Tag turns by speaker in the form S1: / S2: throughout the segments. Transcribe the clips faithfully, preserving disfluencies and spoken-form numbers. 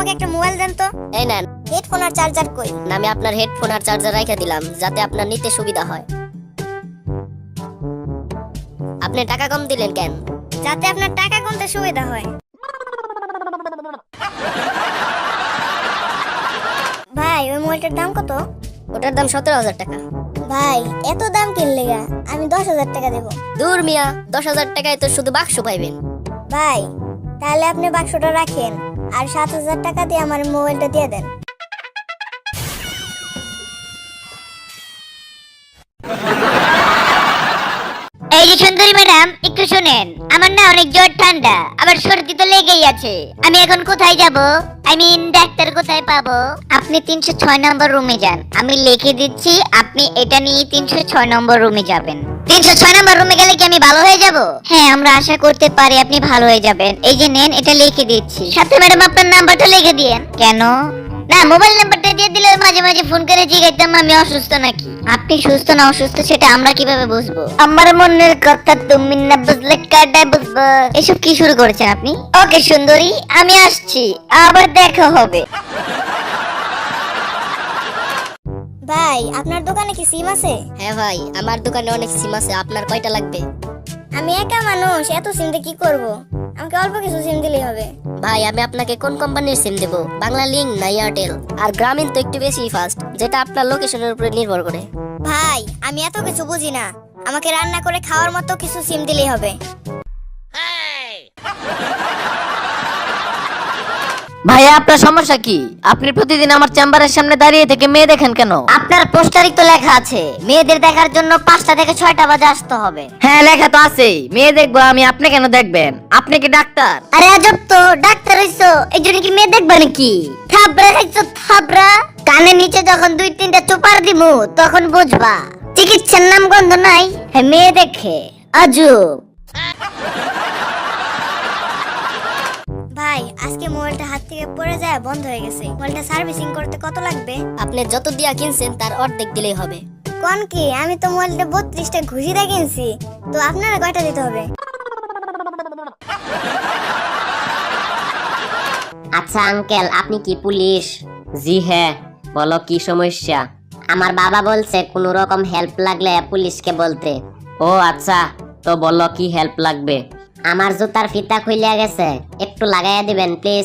S1: আমাকে একটা মোবাইল দেন তো।
S2: এই নেন।
S1: হেডফোন আর চার্জার কই?
S2: আমি আপনার হেডফোন আর চার্জার রেখে দিলাম যাতে আপনার নিতে সুবিধা হয়। আপনি টাকা কম দিলেন কেন?
S1: যাতে আপনার টাকা গুনতে সুবিধা হয়। ভাই ওই মোবাইলটার দাম কত?
S2: ওটার দাম সতেরো হাজার টাকা।
S1: ভাই এত দাম কিনলে গা, আমি দশ হাজার টাকা দেবো।
S2: দূর মিয়া, দশ হাজার টাকায় তো শুধু বাক্স পাইবেন।
S1: ভাই তাহলে আপনি বাক্সটা রাখেন আর সাত হাজার টাকা দিয়ে আমার মোবাইলটা দিয়ে দেন।
S3: এই যে সুন্দরী ম্যাডাম, একটু শুনেন। আমার না অনেক জ্বর ঠান্ডা, আবার সর্দি তো লেগেই আছে। আমি এখন কোথায় যাব? আই মিন ডাক্তার কোথায় পাবো? আপনি তিনশো ছয় নম্বর রুমে যান, আমি লিখে দিচ্ছি। আপনি এটা নিয়ে তিনশো ছয় নম্বর রুমে যাবেন। তিনশো ছয় নম্বর রুমে গেলে কি আমি ভালো হয়ে যাব? হ্যাঁ, আমরা আশা করতে পারি আপনি ভালো হয়ে যাবেন। এই যে নেন, এটা লিখে দিচ্ছি। সাথে ম্যাডাম আপনার নাম্বারটা লিখে দিয়েন। কেন? না, মোবাইল নাম্বারটা দিয়ে দিলে মাঝে মাঝে ফোন করে জিজ্ঞাসতাম আমি অসুস্থ নাকি। আপনি সুস্থ না অসুস্থ সেটা আমরা কিভাবে বুঝবো? আমার মনের কথা তুমি না বুঝলে কাটাই বুঝবো। এসব কি শুরু করেছেন আপনি? ওকে সুন্দরী, আমি আসছি, আবার দেখা হবে।
S1: ভাই আপনার দোকানে কি সিম আছে?
S2: হ্যাঁ ভাই, আমার দোকানে অনেক সিম আছে। আপনার কয়টা লাগবে?
S1: আমি একা মানুষ, এত সিম দিয়ে কি করব? আমাকে অল্প কিছু সিম দিলেই হবে।
S2: ভাই আমি আপনাকে কোন কোম্পানির সিম দেব? বাংলা লিংক না এয়ারটেল? আর গ্রামীণ তো একটু বেশি ফাস্ট, যেটা আপনার লোকেশনের উপরে নির্ভর করে।
S1: ভাই আমি এত কিছু বুঝি না, আমাকে রান্না করে খাওয়ার মতো কিছু সিম দিলেই হবে।
S4: ভাইয়া আপনার সমস্যা কি? আপনি প্রতিদিন আমার চেম্বারের সামনে দাঁড়িয়ে থেকে মেয়ে দেখেন কেন?
S3: আপনার পোস্টারই তো লেখা আছে মেয়েদের দেখার জন্য পাঁচটা থেকে ছয়টা বাজে আসতে হবে।
S4: হ্যাঁ লেখা তো আছেই, মেয়ে দেখবো আমি, আপনি কেন দেখবেন? আপনি কি ডাক্তার?
S3: আরে আজব তো, ডাক্তার হইছো এই জন্য কি মেয়ে দেখবা নাকি? থাবড়া খাইছো থাবড়া। কানের নিচে যখন দুই তিনটা চোপার দিমু তখন বুঝবা চিকিৎসার নাম গন্ধ নাই। হ্যাঁ মেয়ে দেখে আজব।
S1: ভাই আজকে মোবাইলটা হাত থেকে পড়ে যায় বন্ধ হয়ে গেছে, মোবাইলটা সার্ভিসিং করতে কত লাগবে?
S2: আপনি যত দিয়া কিনছেন তার অর্ধেক দিলেই হবে।
S1: কোন কি, আমি তো মোবাইলটা বত্রিশটা ঘুষি দিয়ে কিনছি, তো আপনারা কয়টা দিতে হবে?
S3: আচ্ছা আঙ্কেল, আপনি কি পুলিশ?
S4: জি হ্যাঁ, বলো কি সমস্যা?
S3: আমার বাবা বলছে কোন রকম হেল্প লাগলে পুলিশকে বলতে।
S4: ও আচ্ছা, তো বলো কি হেল্প লাগবে?
S3: আমার জুতার ফিতা খুইলা গেছে, একটু লাগাইয়া দিবেন প্লিজ।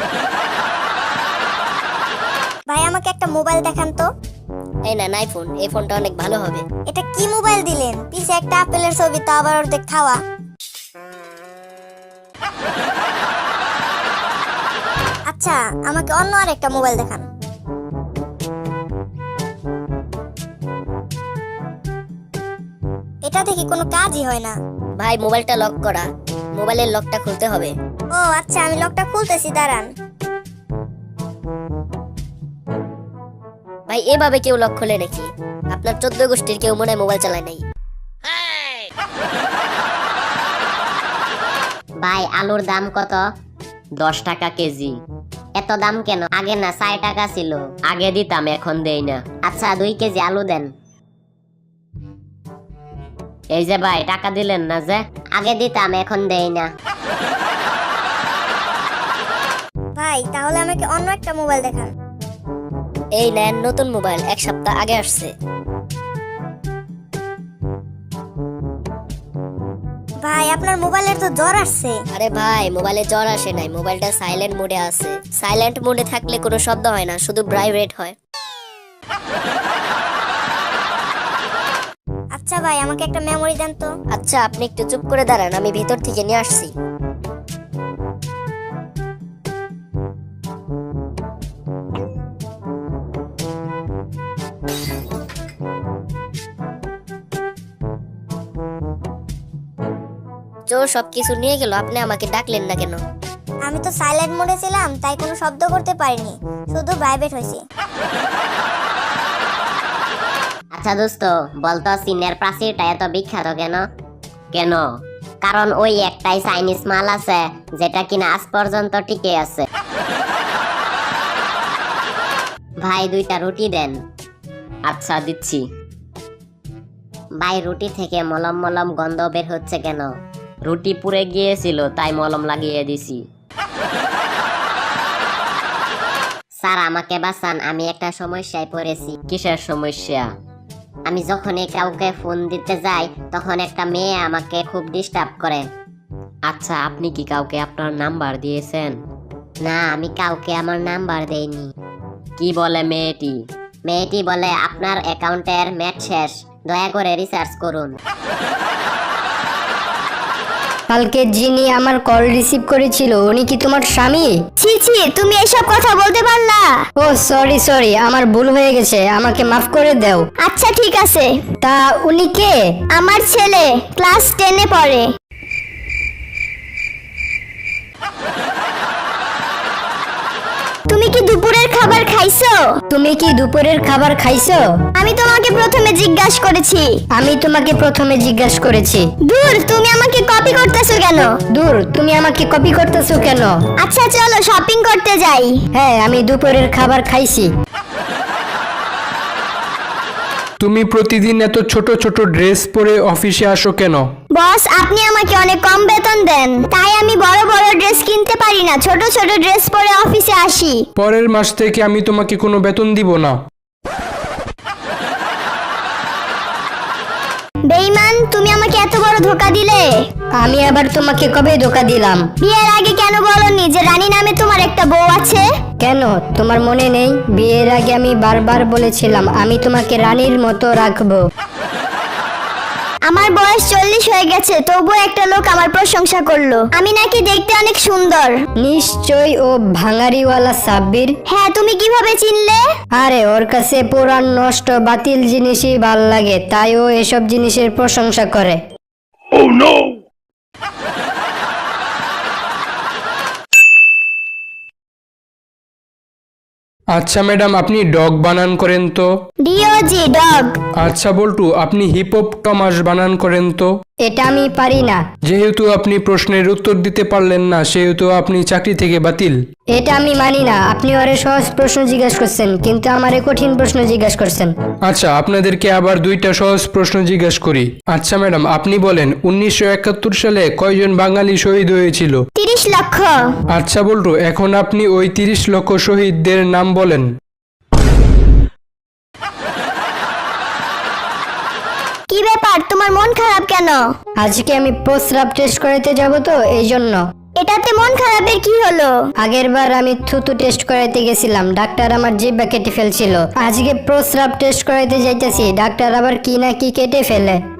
S1: ভাই আমাকে একটা মোবাইল দেখান তো।
S2: এই না আইফোন, এই ফোনটা অনেক ভালো হবে।
S1: এটা কি মোবাইল দিলেন? পিছে একটা আপেলের ছবি, তা আবার অর্ধেক খাওয়া। আচ্ছা আমাকে অন্য আর একটা মোবাইল দেখান। এটা দেখি কোনো কাজই হয় না।
S2: ভাই মোবাইলটা লক করা, মোবাইলের লকটা খুলতে হবে।
S1: ও আচ্ছা, আমি লকটা খুলতেছি, দাঁড়ান।
S2: ভাই এভাবে কেউ লক খোলে নাকি? আপনার চোদ্দ গোষ্ঠীর কেউ মনে হয় মোবাইল চালায় নাই।
S3: ভাই আলুর দাম কত?
S4: দশ টাকা কেজি।
S3: এত দাম কেন? আগে না ষাট টাকা ছিল।
S4: আগে দিতাম, এখন দেই না।
S3: আচ্ছা দুই কেজি আলু দেন।
S4: এই যে ভাই টাকা দিলেন না যে?
S3: আগে দিতাম, এখন দেই না।
S1: ভাই তাহলে আমাকে অন্য একটা মোবাইল দেখান।
S2: এই নেন নতুন মোবাইল, এক সপ্তাহ আগে আসছে।
S1: ভাই আপনার মোবাইলের তো জ্বর আসছে।
S2: আরে ভাই মোবাইলে জ্বর আসে নাই, মোবাইলটা সাইলেন্ট মোডে আছে। সাইলেন্ট মোডে থাকলে কোনো শব্দ হয় না, শুধু ভাইব্রেট হয়।
S1: আচ্ছা ভাই আমাকে একটা মেমোরি দেন তো।
S2: আচ্ছা আপনি একটু চুপ করে দাঁড়ান, আমি ভেতর থেকে নিয়ে আসছি। চোর সবকিছু নিয়ে গেল, আপনি আমাকে ডাকলেন না কেন?
S1: আমি তো সাইলেন্ট মোডে ছিলাম, তাই কোনো শব্দ করতে পারিনি, শুধু ভাইব্রেট হয়েছে।
S3: আচ্ছা দোস্ত, বলতো চীনের প্রাচীরটা এত বিখ্যাত কেন?
S4: কেন?
S3: কারণ ওই একটাই চাইনিজ মাল আছে যেটা কিনা আজ পর্যন্ত টিকে আছে। ভাই দুইটা রুটি দেন।
S4: আচ্ছা দিচ্ছি।
S3: ভাই রুটি থেকে মলম মলম গন্ধ বের হচ্ছে কেন?
S4: রুটি পুড়ে গিয়েছিল তাই মলম লাগিয়ে দিছি।
S5: স্যার আমাকে বাঁচান, আমি একটা সমস্যায় পড়েছি।
S4: কিসের সমস্যা?
S5: আমি যখনই কাউকে ফোন দিতে যাই তখন একটা মেয়ে আমাকে খুব ডিস্টার্ব করে।
S4: আচ্ছা, আপনি কি কাউকে আপনার নাম্বার দিয়েছেন?
S5: না, আমি কাউকে আমার নাম্বার দেইনি।
S4: কি বলে মেয়েটি?
S5: মেয়েটি বলে আপনার অ্যাকাউন্টের ম্যাচ শেষ, দয়া করে রিসার্চ করুন।
S6: কালকে যিনি আমার কল রিসিভ করেছিল উনি কি তোমার স্বামী?
S1: ছি ছি, তুমি এসব কথা বলতে পারলা?
S6: ও সরি সরি, আমার ভুল হয়ে গেছে, আমাকে মাফ করে দাও।
S1: আচ্ছা ঠিক আছে।
S6: তা উনি কে?
S1: আমার ছেলে, ক্লাস টেনে পড়ে। তুমি কি দুপুরের খাবার খাইছো?
S6: তুমি কি দুপুরের খাবার খাইছো?
S1: আমি তোমাকে প্রথমে জিজ্ঞাসা করেছি।
S6: আমি তোমাকে প্রথমে জিজ্ঞাসা করেছি।
S1: দূর, তুমি আমাকে কপি করতেছো কেন?
S6: দূর, তুমি আমাকে কপি করতেছো কেন?
S1: আচ্ছা চলো শপিং করতে যাই।
S6: হ্যাঁ, আমি দুপুরের খাবার খাইছি।
S7: তুমি প্রতিদিন এত ছোট ছোট ড্রেস পরে অফিসে আসো কেন?
S1: বস, আপনি আমাকে অনেক কম বেতন দেন, তাই আমি বড় বড় ড্রেস কিনতে পারি না, ছোট ছোট ড্রেস পরে অফিসে আসি।
S7: পরের মাস থেকে আমি তোমাকে কোনো বেতন দিব না।
S1: বেঈমান, তুমি আমাকে এত বড় ধোকা দিলে।
S6: আমি আবার তোমাকে কবে ধোকা দিলাম?
S1: বিয়ের আগে কেন বলনি যে রানী নামে তোমার একটা বউ আছে?
S6: কেন তোমার মনে নেই? বিয়ের আগে আমি বারবার বলেছিলাম আমি তোমাকে রানীর মতো রাখবো।
S1: আমার বয়স চল্লিশ হয়ে গেছে, তবুও একটা লোক আমার প্রশংসা করলো আমি নাকি দেখতে অনেক সুন্দর।
S6: নিশ্চয় ও ভাঙারিওয়ালা সাব্বির।
S1: হ্যাঁ, তুমি কিভাবে চিনলে?
S6: আরে ওর কাছে পুরান নষ্ট বাতিল জিনিসই ভাল লাগে, তাই ও এসব জিনিসের প্রশংসা করে।
S7: আচ্ছা ম্যাডাম, আপনি ডগ বানান করেন তো?
S1: D O G dog.
S7: আচ্ছা বল্টু, আপনি হিপোপটামাস বানান করেন তো?
S6: এটা আমি পারি না।
S7: যেহেতু আপনি প্রশ্নের উত্তর দিতে পারলেন না সেহেতু আপনি চাকরি থেকে বাতিল।
S6: এটা আমি মানি না। আপনি ওরে সহজ প্রশ্ন জিজ্ঞাসা করছেন কিন্তু আমারে কঠিন প্রশ্ন জিজ্ঞাসা করছেন।
S7: আচ্ছা, আপনাদেরকে আবার দুইটা সহজ প্রশ্ন জিজ্ঞাসা করি। আচ্ছা ম্যাডাম, আপনি বলেন উনিশশো একাত্তর সালে কয়জন বাঙালি শহীদ হয়েছিল?
S1: তিরিশ লক্ষ।
S7: আচ্ছা বল্টু, এখন আপনি ওই তিরিশ লক্ষ শহীদদের নাম বলেন।
S1: কি ব্যাপার, তোমার মন খারাপ কেন?
S6: আজকে আমি প্রস্রাব টেস্ট করাতে যাব তো এই জন্য।
S1: এটাতে মন খারাপের কি হলো?
S6: আগের বার আমি থুতু টেস্ট করাইতে গেছিলাম, ডাক্তার আমার জিহ্বা কেটে ফেলছিল। আজকে প্রস্রাব টেস্ট করাইতে যাইতেছি, ডাক্তার আবার কি না কি কেটে ফেলে।